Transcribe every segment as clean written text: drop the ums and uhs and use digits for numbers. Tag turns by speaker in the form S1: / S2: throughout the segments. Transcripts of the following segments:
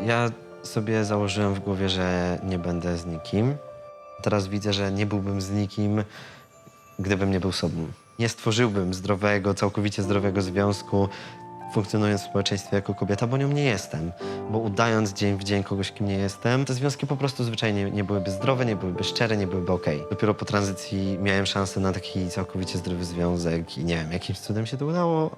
S1: Ja sobie założyłem w głowie, że nie będę z nikim. Teraz widzę, że nie byłbym z nikim, gdybym nie był sobą. Nie stworzyłbym zdrowego, całkowicie zdrowego związku, funkcjonując w społeczeństwie jako kobieta, bo nią nie jestem. Bo udając dzień w dzień kogoś, kim nie jestem, te związki po prostu zwyczajnie nie byłyby zdrowe, nie byłyby szczere, nie byłyby okej. Dopiero po tranzycji miałem szansę na taki całkowicie zdrowy związek i nie wiem, jakimś cudem się to udało.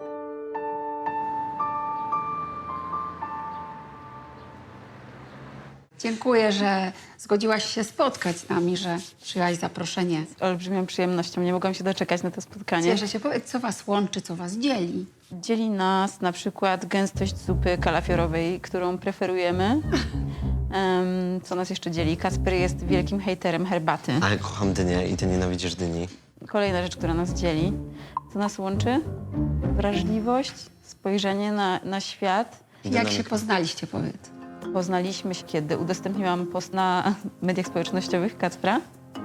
S2: Dziękuję, że zgodziłaś się spotkać z nami, że przyjęłaś zaproszenie.
S3: Z olbrzymią przyjemnością. Nie mogłam się doczekać na to spotkanie.
S2: Cieszę się. Powiedz, co was łączy, co was dzieli.
S3: Dzieli nas na przykład gęstość zupy kalafiorowej, którą preferujemy. Co nas jeszcze dzieli? Kacper jest wielkim hejterem herbaty.
S1: Ale kocham dynię i ty nienawidzisz dyni.
S3: Kolejna rzecz, która nas dzieli. Co nas łączy? Wrażliwość, spojrzenie na świat.
S2: Jak się poznaliście, powiedz?
S3: Poznaliśmy się, kiedy udostępniłam post na mediach społecznościowych Kacpra.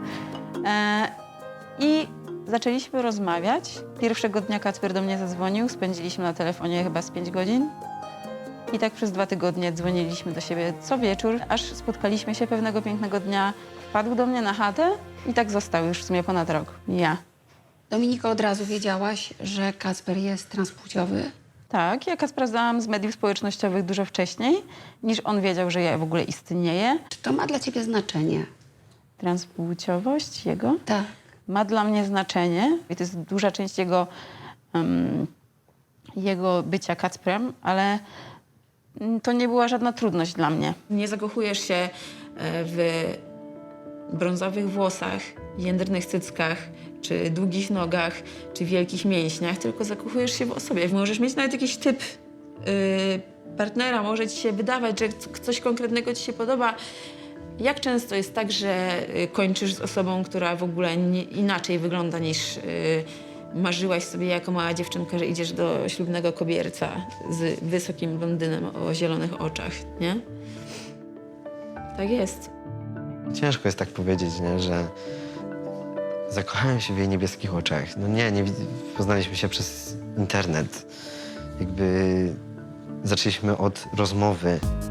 S3: I zaczęliśmy rozmawiać. Pierwszego dnia Kacper do mnie zadzwonił. Spędziliśmy na telefonie chyba z 5 godzin. I tak przez 2 tygodnie dzwoniliśmy do siebie co wieczór, aż spotkaliśmy się pewnego pięknego dnia. Wpadł do mnie na chatę i tak został już w sumie ponad rok. Ja.
S2: Dominika, od razu wiedziałaś, że Kacper jest transpłciowy?
S3: Tak, ja Kacpra znałam z mediów społecznościowych dużo wcześniej, niż on wiedział, że ja w ogóle istnieję.
S2: Czy to ma dla ciebie znaczenie?
S3: Transpłciowość jego
S2: Tak.
S3: ma dla mnie znaczenie i to jest duża część jego bycia Kacprem, ale to nie była żadna trudność dla mnie. Nie zakochujesz się w brązowych włosach, jędrnych cyckach, czy długich nogach, czy wielkich mięśniach, tylko zakochujesz się w osobie. Możesz mieć nawet jakiś typ partnera, może ci się wydawać, że coś konkretnego ci się podoba. Jak często jest tak, że kończysz z osobą, która w ogóle inaczej wygląda niż marzyłaś sobie jako mała dziewczynka, że idziesz do ślubnego kobierca z wysokim blondynem o zielonych oczach, nie? Tak jest.
S1: Ciężko jest tak powiedzieć, nie, że zakochałem się w jej niebieskich oczach. No nie, poznaliśmy się przez internet. Jakby zaczęliśmy od rozmowy.